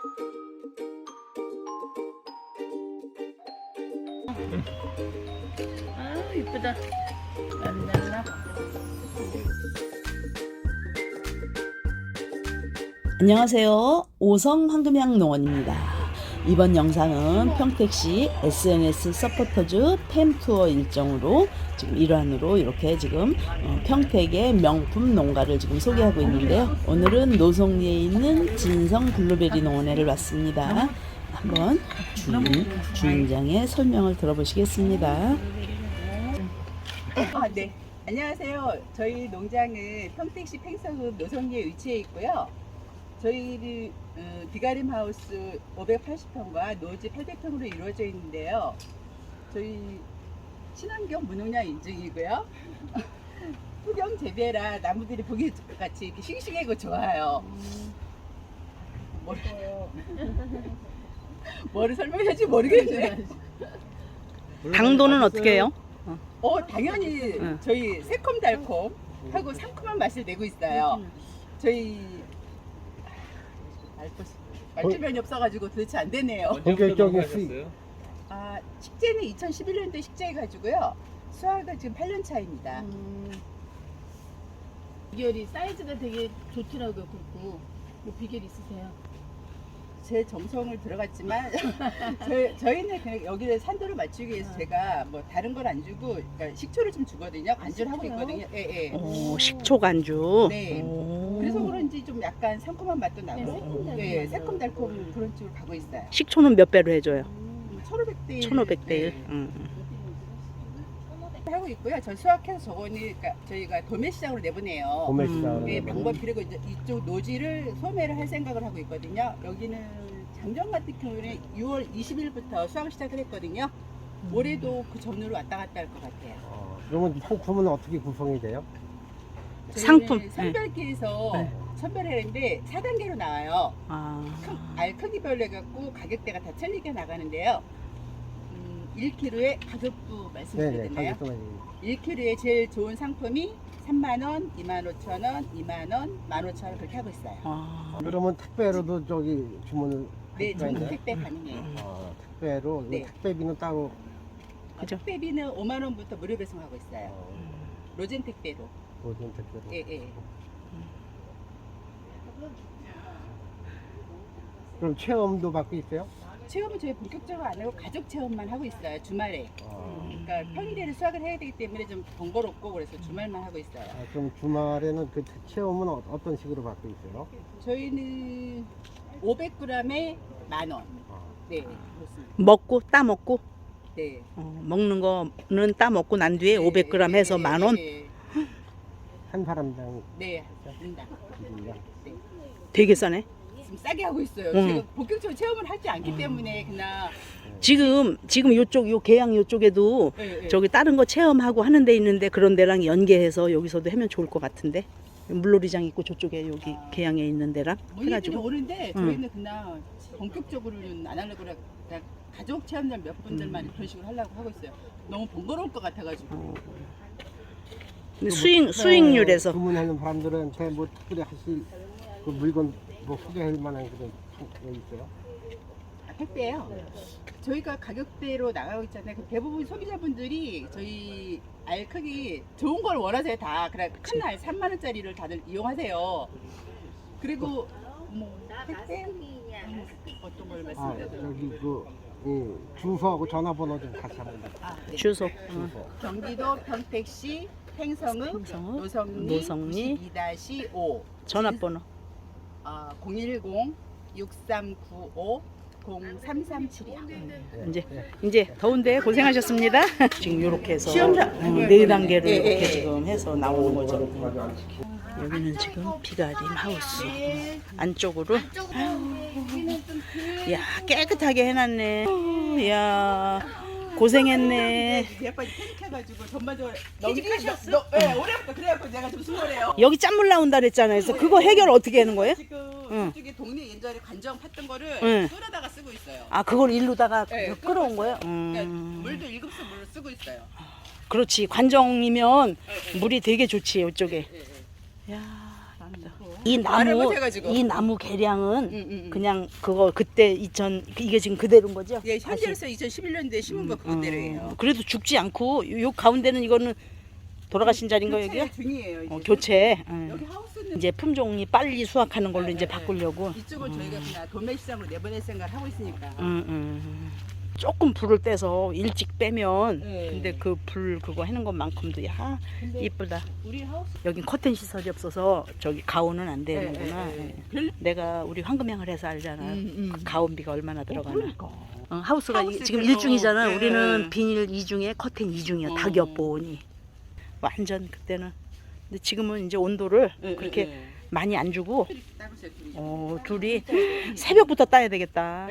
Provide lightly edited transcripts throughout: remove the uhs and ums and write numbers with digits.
아 이쁘다. 랄랄라. 안녕하세요. 오성 황금향 농원입니다. 이번 영상은 평택시 SNS 서포터즈 팸투어 일정으로 지금 일환으로 이렇게 지금 평택의 명품 농가를 지금 소개하고 있는데요. 오늘은 노송리에 있는 진성 블루베리 농원에를 왔습니다. 한번 주인장의 설명을 들어보시겠습니다. 네. 안녕하세요. 저희 농장은 평택시 팽서읍 노성리에 위치해 있고요. 저희 비가림 하우스 580평과 노지 800평으로 이루어져 있는데요. 저희 친환경 무농약 인증이고요. 토경 재배라 나무들이 보기 같이 이렇게 싱싱하고 좋아요. 뭐를 설명해야지 모르겠네. 당도는 어떻게 해요? 당연히 저희 새콤달콤 하고 상큼한 맛을 내고 있어요. 저희 말주변이 없어가지고 도대체 안 되네요. 본격적인 수익. 식재는 2011년도에 식재해가지고요. 수확은 지금 8년 차입니다. 비결이 사이즈가 되게 좋더라고요. 굵고 뭐 비결 있으세요? 제 정성을 들어갔지만 저희는 그냥 여기를 산도를 맞추기 위해서 제가 뭐 다른 걸 안 주고 그러니까 식초를 좀 주거든요. 간주를 하고 있거든요. 예, 예. 오, 식초 간주. 네. 오. 그래서 그런지 좀 약간 상큼한 맛도 나고, 새콤달콤. 네, 새콤달콤 그런 쪽으로 가고 있어요. 식초는 몇 배로 해줘요? 1,500대 1500대 1. 하고 있고요. 전 수확해서 저거는 그러니까 저희가 도매시장으로 내보내요. 도매시장. 네, 방법 그리고 이제 이쪽 노지를 소매를 할 생각을 하고 있거든요. 여기는 작년 같은 경우는 6월 20일부터 수확을 시작을 했거든요. 올해도 그 전후로 왔다 갔다 할 것 같아요. 그러면 상품은 어떻게 구성이 돼요? 상품. 저희는 선별기에서 선별을 했는데 4단계로 나와요. 알 크기별로 해갖고 가격대가 다 틀리게 나가는데요. 1kg의 가격도 말씀드려야 되나요? 가격도 1kg에 제일 좋은 상품이 3만원, 25,000원, 2만원, 15,000원 그렇게 하고 있어요. 그러면 택배로도 저기 주문을 네, 할 수가 전국 있나요? 택배 가능해요. 택배로 네. 택배비는 따로. 그죠? 택배비는 5만원부터 무료 배송하고 있어요. 로젠 택배로. 모든 택배로. 예, 예. 그럼 체험도 받고 있어요? 체험은 저희 본격적으로 안 하고 가족 체험만 하고 있어요. 주말에. 그러니까 평일에는 수학을 해야 되기 때문에 좀 번거롭고 그래서 주말만 하고 있어요. 그럼 주말에는 그 체험은 어떤 식으로 받고 있어요? 저희는 500g에 10,000원. 네, 그렇습니다. 먹고 따 먹고 네. 먹는 거는 따 먹고 난 뒤에 500g 해서 10,000원. 네, 한 사람당 네, 인당. 기준이야? 네. 되게 싸네. 지금 싸게 하고 있어요. 제가 본격적으로 체험을 하지 않기 때문에 그냥. 지금 요쪽 요 계양 요쪽에도 네, 네. 저기 다른 거 체험하고 하는 데 있는데 그런 데랑 연계해서 여기서도 하면 좋을 것 같은데. 물놀이장 있고 저쪽에 여기 계양에 있는 데랑 문의들이 해가지고 오는데 저희는 그냥 본격적으로는 안 하려고 그냥 가족 체험장 몇 분들만 그런 식으로 하려고 하고 있어요. 너무 번거로울 것 같아가지고. 근데 수익률에서 주문하는 사람들한테 뭐 특별히 하실 그 물건 뭐 소개할 만한 그런 게 있어요? 택배요. 저희가 가격대로 나가고 있잖아요. 그 대부분 소비자분들이 저희 알 크기 좋은 걸 원하세요. 다 그래 큰 알 3만 원짜리를 다들 이용하세요. 그리고 뭐 택배 어떤 걸 말씀드려요? 여기 주소하고 전화번호 좀 같이 한번. 네. 주소 경기도 평택시 팽성읍 팽성읍, 노성리 노성리 92-5 전화번호 010-6395-0337이요. 이제 더운데 고생하셨습니다. 지금 이렇게 해서 시험장. 네 단계로 예, 이렇게 예, 지금 해서 나오는 거죠. 여기는 지금 비가림 하우스 안쪽으로. 야 깨끗하게 해놨네. 야 고생했네. 예뻐 패닉해가지고 전반적으로 퇴직하셨어? 네, 올해부터 그래갖고 내가 좀 수월해요. 여기 짠물 나온다 그랬잖아요. 그래서 그거 해결 어떻게 하는 거예요? 지금 저쪽에 동네 옛날에 관정 팠던 거를 응. 끓여다가 쓰고 있어요. 아 그걸 일로다가 네, 끌어온 거예요? 그러니까 물도 1급수 물을 쓰고 있어요. 그렇지 관정이면 물이 되게 좋지 이쪽에. 예, 예. 야 좋고. 이 말을 나무 못해가지고. 이 나무 개량은 응. 그냥 그거 그때 이게 지금 그대로인 거죠? 예, 다시. 현재로서 2011년도에 심은 거 그대로예요. 그래도 죽지 않고 요 가운데는 이거는 돌아가신 자리인 거 여기요? 중이에요. 이제. 교체. 여기 하우스는 이제 품종이 빨리 수확하는 걸로 이제 바꾸려고. 이쪽을 저희가 그냥 도매 시장으로 내보낼 생각을 하고 있으니까. 조금 불을 떼서 일찍 빼면 네. 근데 그 불 그거 해는 것만큼도 야 근데 이쁘다. 우리 하우스 여긴 커튼 시설이 없어서 저기 가온은 안 되는구나. 별- 내가 우리 황금향을 해서 알잖아. 음. 가온비가 얼마나 들어가나. 하우스가 하우스 지금 그래서- 1중이잖아. 네. 우리는 비닐 2중에 커튼 2중이야. 어. 닭엽보니. 완전 그때는. 근데 지금은 이제 온도를 그렇게 많이 안 주고 따보세요, 둘이 새벽부터 따야 되겠다.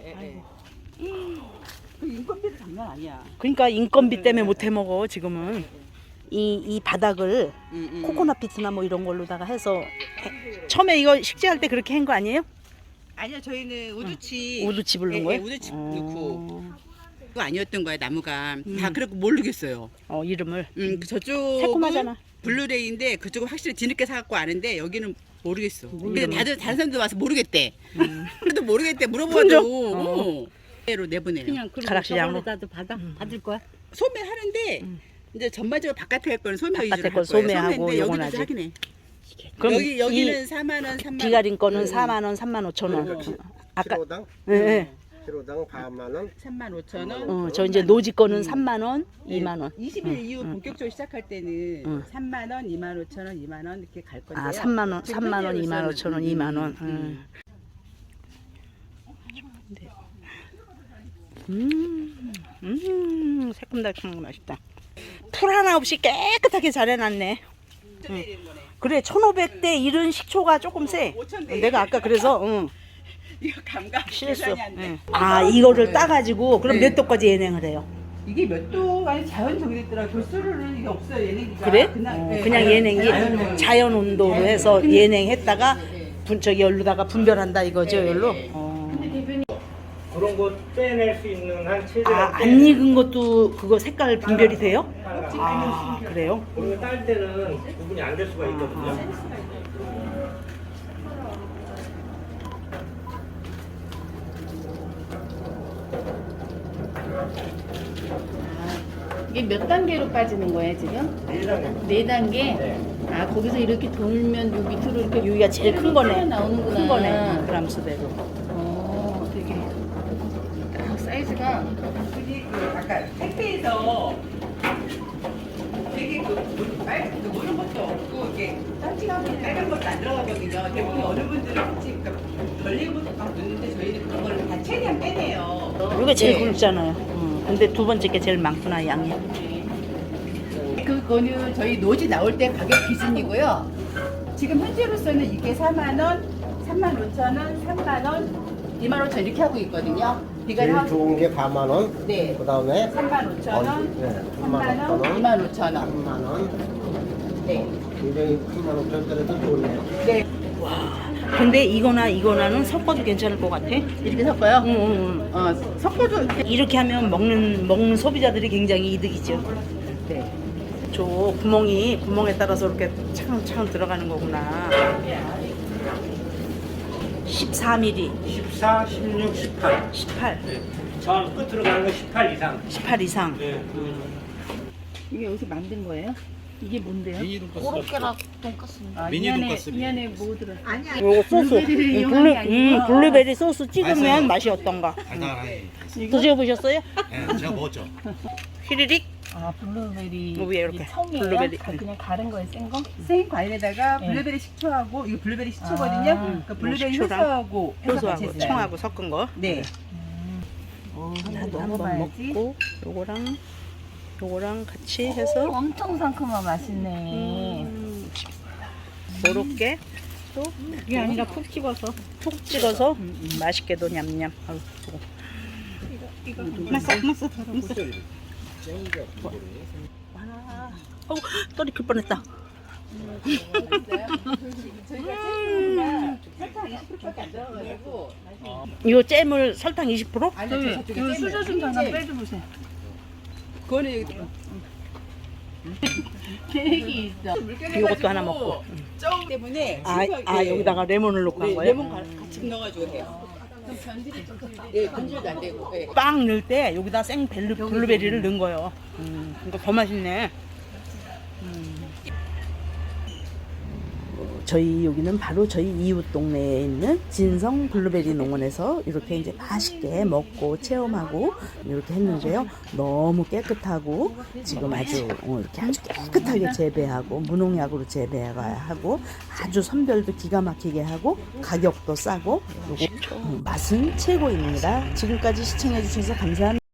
그 인건비도 장난 아니야. 그러니까 인건비 때문에 못 해 먹어 지금은. 이 바닥을 코코넛 비트나 뭐 이런 걸로다가 해서 처음에 이거 식재할 때 그렇게 한 거 아니에요? 아니요, 저희는 우두치. 우두치 부른 거예요? 우두치 넣고. 그거 아니었던 거야, 나무가. 다 그렇고 모르겠어요. 이름을. 저쪽은 새콤하잖아. 블루레이인데 그쪽은 확실히 뒤늦게 사갖고 아는데 여기는 모르겠어. 근데 이름은? 다른 사람들 와서 모르겠대. 그래도 모르겠대. 품종? 물어봐도 로 내보내요. 그냥 그리고 가락시장으로? 저번에다도 받을 거야? 소매하는데 이제 전반적으로 바깥에 할 거는 소매 바깥에 위주로 할 건 거예요. 소매하고 소매인데 요건 여기도 아직. 하긴 해. 그럼 여기는 4만 원, 3만 원. 비가린 거는 4만 원, 3만 5천 원. 아까 키로당 예. 키로당 4만 원. 3만 5천 원. 저 이제 노지 거는 3만 원, 2만 원. 20일 이후 본격적으로 시작할 때는 3만 원, 2만 5천 원, 2만 원 이렇게 갈 건데요. 3만 원, 지금 3만 원, 2만 5천 원, 2만 원. 새콤달콤한 거 맛있다. 풀 하나 없이 깨끗하게 잘 해놨네. 그래, 1,500대 이른 식초가 조금 세. 5,000대. 내가 아까 그래서 이거 감각 실수. 계산이 안 돼. 이거를 따가지고 그럼 네. 몇 도까지 예냉을 해요? 이게 몇 도가 자연 정이 됐더라. 도수로는 이게 없어요. 예냉기가. 그래? 그냥, 그냥 예냉기 자연 온도로 해서 예냉했다가 저기 열로다가 분별한다 이거죠, 열로? 그런 거 빼낼 수 있는 한 최대한 안 익은 것도 그거 색깔 분별이 돼요? 그래요? 그리고 딸 때는 구분이 안 될 수가 있거든요. 이게 몇 단계로 빠지는 거예요 지금? 4단계? 아 거기서 이렇게 돌면 요 밑으로 이렇게 여기가 제일 큰 거네. 나오는구나. 큰 거네. 그람수대로. 되게 딱 사이즈가 아까 택배에서 되게 그 모른 것도 없고 이게 짠ጭ하고 빨간 것도 안 들어가거든요. 대부분 어느 분들은 그러니까 별린 것도 막 넣는데 저희는 그런 걸 다 최대한 빼내요. 이게 제일 네. 굵잖아요. 근데 두 번째 게 제일 많구나, 양이. 그거는 저희 노지 나올 때 가격 기준이고요. 지금 현재로서는 이게 4만 원, 3만 5천 원, 3만 원, 2만 5천 이렇게 하고 있거든요. 제일 비가 좋은 게 4만 원. 네. 그다음에 3만 5천 원, 네, 3만 원, 2만 5천 원. 3만 원. 네. 굉장히 3만 5천짜리도 좋네요. 네. 근데 이거나는 섞어도 괜찮을 것 같아. 이렇게 섞어요? 응. 섞어도 이렇게 하면 먹는 소비자들이 굉장히 이득이죠. 네. 저 구멍에 따라서 이렇게 차근차근 들어가는 거구나. 14mm, 14, 16, 18. 18, 저 끝으로 가는 거 18 이상. 18 이상. 네. 이게 여기서 만든 거예요? 이게 뭔데요? 고로케라 돈까스. 이 안에 뭐 들어? 아니야. 요거 소스. 블루베리를 이용한 게 아니고. 블루베리 소스 찍으면 맛이 어떤가? 달달하게. 드셔보셨어요? 네, 제가 먹었죠. 휘리릭? 아 블루베리 위에 이렇게. 이게 청이에요? 블루베리. 그냥 가른 거예요, 센 거? 생 과일에다가 네. 블루베리 식초하고 이거 블루베리 식초거든요. 아. 그 블루베리 식초랑 효소하고 해서 같이 효소하고 했어요. 청하고 섞은 거. 네. 나도 한번 먹어봐야지. 먹고 요거랑 같이 해서 엄청 상큼한 맛있네. 요렇게 또 이게 아니라 푹 찍어서. 푹 찍어서 맛있게도 냠냠. 아유, 이거. 맛있어. 떨이 클 뻔했다. 저희가 잼이나 설탕 20%밖에 안 들어가가지고 이거 잼을 설탕 20%? 아니 저쪽에 수저 좀 하나 빼줘보세요. 그거는 여기 계획이 있어. 이것도 하나 먹고. 쪄 때문에 여기다가 레몬을 넣고 한 네, 거예요? 레몬 같이 넣어가지고 해요. 그럼 변질이 좀 덜 돼. 네, 변질도 안 되고. 네. 빵 넣을 때 여기다 생 블루베리를 넣은 거예요. 그러니까 더 맛있네. 저희 여기는 바로 저희 이웃 동네에 있는 진성 블루베리 농원에서 이렇게 이제 맛있게 먹고 체험하고 이렇게 했는데요. 너무 깨끗하고 지금 아주 이렇게 아주 깨끗하게 재배하고 무농약으로 재배하고 아주 선별도 기가 막히게 하고 가격도 싸고 요거 맛은 최고입니다. 지금까지 시청해 주셔서 감사합니다.